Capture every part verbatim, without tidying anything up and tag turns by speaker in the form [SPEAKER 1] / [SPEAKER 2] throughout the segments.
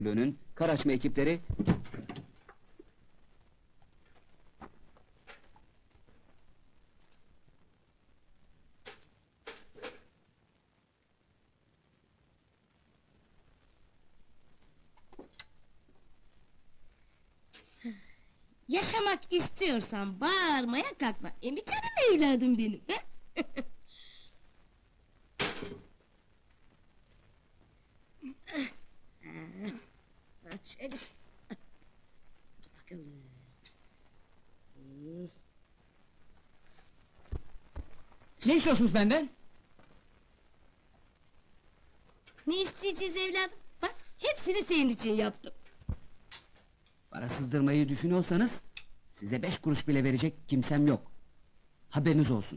[SPEAKER 1] Müdürlüğü'nün kar açma ekipleri...
[SPEAKER 2] Yaşamak istiyorsan bağırmaya kalkma. E mi canım evladım benim? he? Ha, şöyle. Dur bakalım. Hmm.
[SPEAKER 1] Ne istiyorsunuz benden?
[SPEAKER 2] Ne isteyeceğiz evladım? Bak, hepsini senin için yaptım.
[SPEAKER 1] Para sızdırmayı düşünüyorsanız... ...size beş kuruş bile verecek kimsem yok. Haberiniz olsun.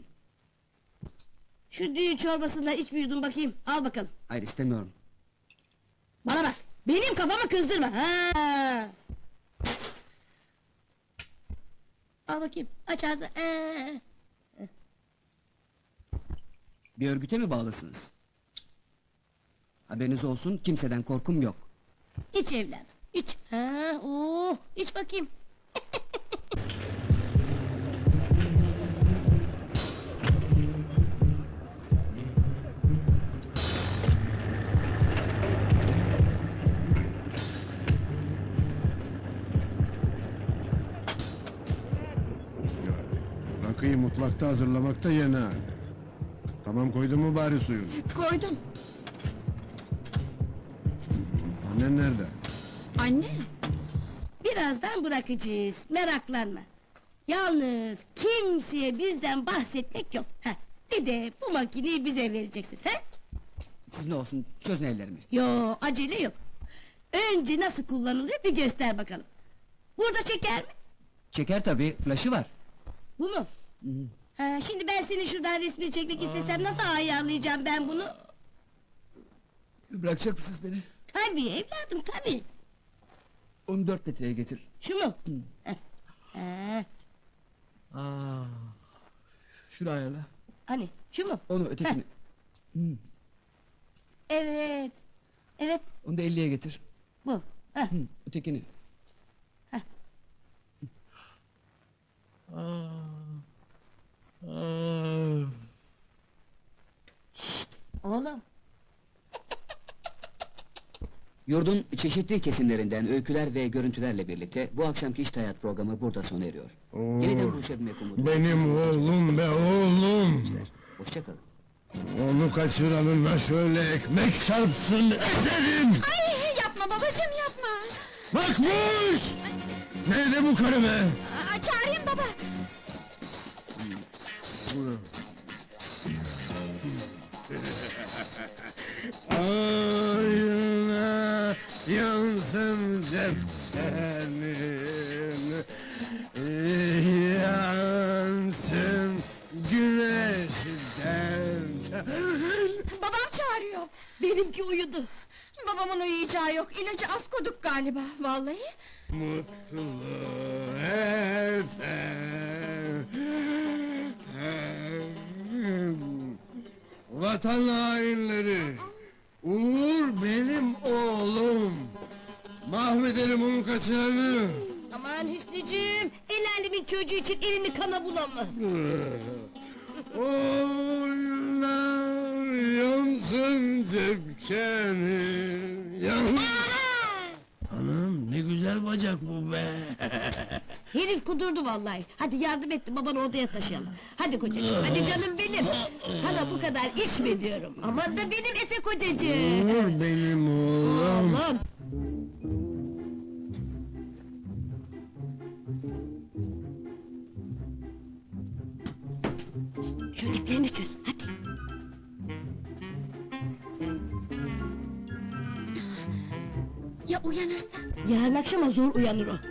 [SPEAKER 2] Şu düğün çorbasından iç bir yudum bakayım, al bakalım.
[SPEAKER 1] Hayır, istemiyorum.
[SPEAKER 2] Bana bak, benim kafamı kızdırma, ha! Al bakayım, aç ağzını, ee.
[SPEAKER 1] Bir örgüte mi bağlısınız? Haberiniz olsun, kimseden korkum yok.
[SPEAKER 2] İç evladım, iç. Ha, oh, iç bakayım.
[SPEAKER 3] Rakıyı mutfakta hazırlamakta yeni adet. Tamam, koydun mu bari suyunu?
[SPEAKER 4] Koydum.
[SPEAKER 3] Annen nerede?
[SPEAKER 4] Anne,
[SPEAKER 2] Birazdan bırakacağız, meraklanma. Yalnız kimseye bizden bahsetmek yok. Heh, bir de bu makineyi bize vereceksin, he?
[SPEAKER 1] Siz ne olsun, çözün ellerimi.
[SPEAKER 2] Yo, acele yok. Önce nasıl kullanılıyor bir göster bakalım. Burada çeker mi?
[SPEAKER 1] Çeker tabii, flaşı var.
[SPEAKER 2] Bu mu?
[SPEAKER 1] Hı hı.
[SPEAKER 2] Ha, şimdi ben senin şuradan resmini çekmek istesem nasıl ayarlayacağım ben bunu?
[SPEAKER 1] Bırakacak mısınız beni?
[SPEAKER 2] Tabii evladım, tabii.
[SPEAKER 1] Onu dört metreye getir.
[SPEAKER 2] Şu mu? Heh. Ha,
[SPEAKER 1] Aa, şunu ayarla.
[SPEAKER 2] hani, şu mu?
[SPEAKER 1] Onu ötekini. Hı,
[SPEAKER 2] Evet, evet,
[SPEAKER 1] onu da elliye getir.
[SPEAKER 2] bu. Heh.
[SPEAKER 1] Hı, ötekini.
[SPEAKER 2] Heh.
[SPEAKER 1] Aa, aa.
[SPEAKER 2] Oğlum,
[SPEAKER 1] Yurdun çeşitli kesimlerinden öyküler ve görüntülerle birlikte bu akşamki İşte Hayat programı burada sona eriyor. Yeniden buluşabilmek umuduyla.
[SPEAKER 3] Benim oğlum be oğlum!
[SPEAKER 1] Hoşça kalın.
[SPEAKER 3] Onu kaçıranına şöyle ekmek çarpsın, ezerim!
[SPEAKER 4] ay yapma babacığım yapma.
[SPEAKER 3] Bakmış! Nerede bu karı be?
[SPEAKER 4] Aa, çağırayım baba.
[SPEAKER 3] Ayına yansın cephenin, yansın güneşten.
[SPEAKER 4] Babam çağırıyor.
[SPEAKER 2] benimki uyudu.
[SPEAKER 4] Babamın uyuyacağı yok. İlacı az koyduk galiba. Vallahi.
[SPEAKER 3] Mutlu efendim, vatan hainleri, Uğur benim oğlum, mahvederim onu kaçıranı.
[SPEAKER 2] Aman Hüsnücüğüm, el alemin çocuğu için elini kana bulama.
[SPEAKER 3] Oynar yansın cepkeni, yan... Anam ne güzel bacak bu be!
[SPEAKER 2] Herif kudurdu vallahi. Hadi yardım et de babanı odaya taşıyalım. Hadi kocacığım, hadi canım benim. Sana bu kadar içme diyorum. Aman da benim Efe kocacığım.
[SPEAKER 3] Uğur benim oğlum!
[SPEAKER 2] Oğlum. Şu iplerini çöz, hadi.
[SPEAKER 4] Ya uyanırsa?
[SPEAKER 2] Yarın akşama zor uyanır o. Hadi,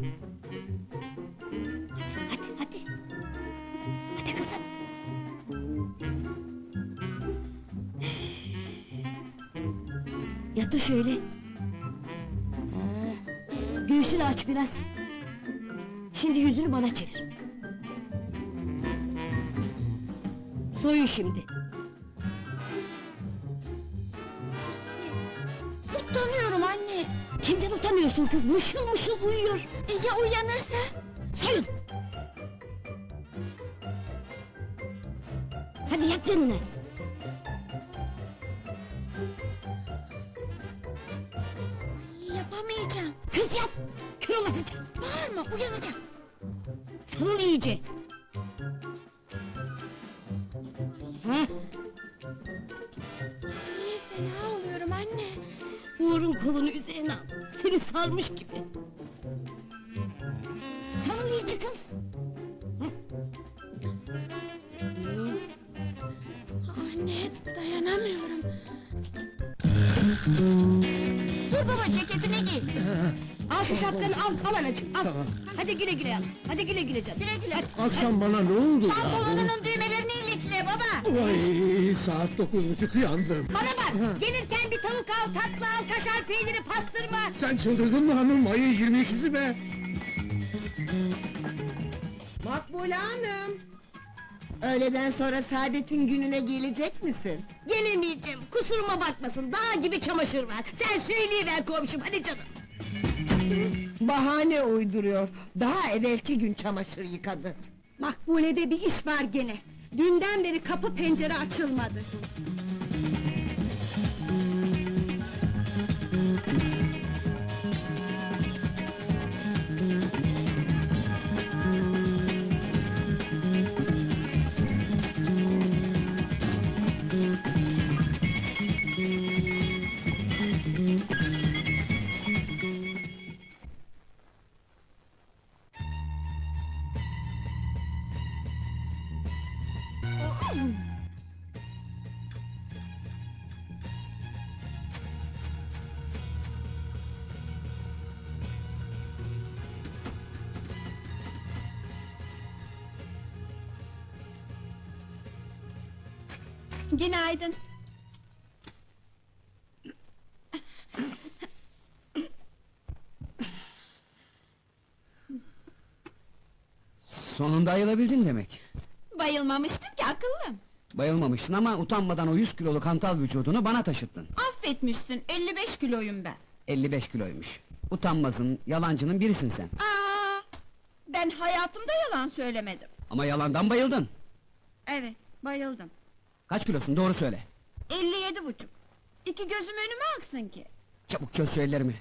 [SPEAKER 2] hadi, hadi. Hadi kızım. Yatır şöyle. Ha, göğsünü aç biraz. Şimdi yüzünü bana çevir. Soyun şimdi.
[SPEAKER 4] Utanıyorum anne.
[SPEAKER 2] Kimden utanıyorsun kız? Mışıl mışıl uyuyor.
[SPEAKER 4] E, ya uyanırsa?
[SPEAKER 2] Sayın! Hadi yat yanına.
[SPEAKER 4] Yapamayacağım.
[SPEAKER 2] Kız yat! Kör olasıca!
[SPEAKER 4] Bağırma, uyanacak.
[SPEAKER 2] Sarıl iyice! Ha?
[SPEAKER 4] Niye fena oluyorum anne?
[SPEAKER 2] Uğur'un kolunu üzerine al. Seni sarmış gibi. Sarıl iyice kız!
[SPEAKER 4] Anne, dayanamıyorum. Dur baba, ceketini giy.
[SPEAKER 2] Al şu şapkanı al, al anacığım, al! Hadi güle güle al, hadi güle güle canım!
[SPEAKER 4] Güle güle.
[SPEAKER 3] Akşam bana ne oldu ya?
[SPEAKER 4] Pantolonunun düğmelerini ilikle baba.
[SPEAKER 3] Vay, saat dokuz buçuk yandım.
[SPEAKER 2] Bana bak! Gelirken bir tavuk al, tatlı al, kaşar peyniri, pastırma!
[SPEAKER 3] Sen çıldırdın mı hanım? Ayın yirmi ikisi be!
[SPEAKER 5] Makbule Hanım! Öğleden sonra Saadet'in gününe gelecek misin?
[SPEAKER 2] Gelemeyeceğim, kusuruma bakmasın, dağ gibi çamaşır var! Sen söyleyiver komşum, hadi canım!
[SPEAKER 5] Bahane uyduruyor, daha evvelki gün çamaşır yıkadı.
[SPEAKER 2] Makbule'de bir iş var gene! Dünden beri kapı pencere açılmadı!
[SPEAKER 4] Günaydın.
[SPEAKER 1] Sonunda ayılabildin demek.
[SPEAKER 4] Bayılmamıştım ki akıllım.
[SPEAKER 1] Bayılmamışsın ama utanmadan o yüz kiloluk hantal vücudunu bana taşıttın.
[SPEAKER 4] Affetmişsin, elli beş kiloyum ben.
[SPEAKER 1] elli beş kiloymuş. Utanmazın, yalancının birisin sen.
[SPEAKER 4] Aa, ben hayatımda yalan söylemedim.
[SPEAKER 1] Ama yalandan bayıldın.
[SPEAKER 4] Evet, bayıldım.
[SPEAKER 1] Kaç kilosun, doğru söyle.
[SPEAKER 4] elli yedi buçuk. İki gözüm önüme aksın ki.
[SPEAKER 1] Çabuk çöz şu ellerimi.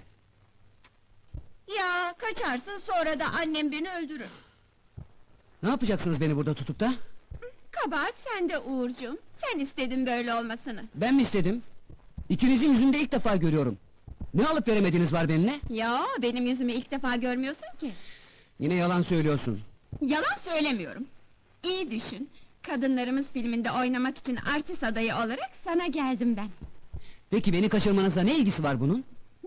[SPEAKER 4] Ya kaçarsın, sonra da annem beni öldürür.
[SPEAKER 1] Ne yapacaksınız beni burada tutup da?
[SPEAKER 4] Kabahat sende Uğurcuğum. Sen istedin böyle olmasını.
[SPEAKER 1] Ben mi istedim? İkinizin yüzünde ilk defa görüyorum. Ne alıp veremediğiniz var benimle?
[SPEAKER 4] Ya benim yüzümü ilk defa görmüyorsun ki.
[SPEAKER 1] Yine yalan söylüyorsun.
[SPEAKER 4] Yalan söylemiyorum. İyi düşün. Kadınlarımız filminde oynamak için artist adayı olarak sana geldim ben.
[SPEAKER 1] Peki beni kaçırmanızla ne ilgisi var bunun?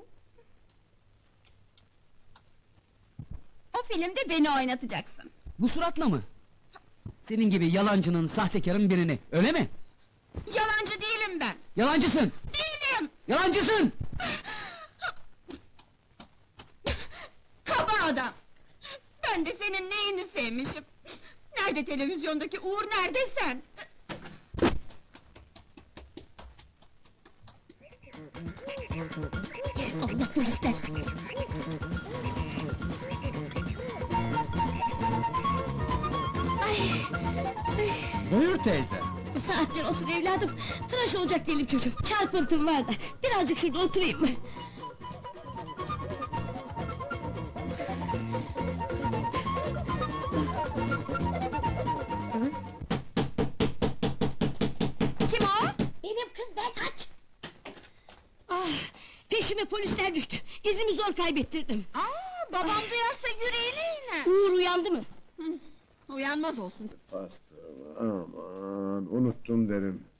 [SPEAKER 4] O filmde beni oynatacaksın.
[SPEAKER 1] Bu suratla mı? Senin gibi yalancının, sahtekarın birini, öyle mi?
[SPEAKER 4] Yalancı değilim ben.
[SPEAKER 1] Yalancısın!
[SPEAKER 4] Değilim!
[SPEAKER 1] Yalancısın!
[SPEAKER 4] Kaba adam! Ben de senin neyini sevmişim? Nerede televizyondaki Uğur, nerede sen?
[SPEAKER 2] Allah polisler!
[SPEAKER 3] Buyur teyze.
[SPEAKER 2] Saatler olsun evladım, tıraş olacak değilim çocuğum, çarpıntım var da, birazcık şurada oturayım mı?
[SPEAKER 4] Kim o?
[SPEAKER 2] Benim kız, ben aç! Ah, peşime polisler düştü, izimi zor kaybettirdim.
[SPEAKER 4] Aa, babam duyarsa yüreğine iner.
[SPEAKER 2] Uğur uyandı mı?
[SPEAKER 4] Uyanmaz olsun.
[SPEAKER 3] Pastırma, aman, unuttum derim.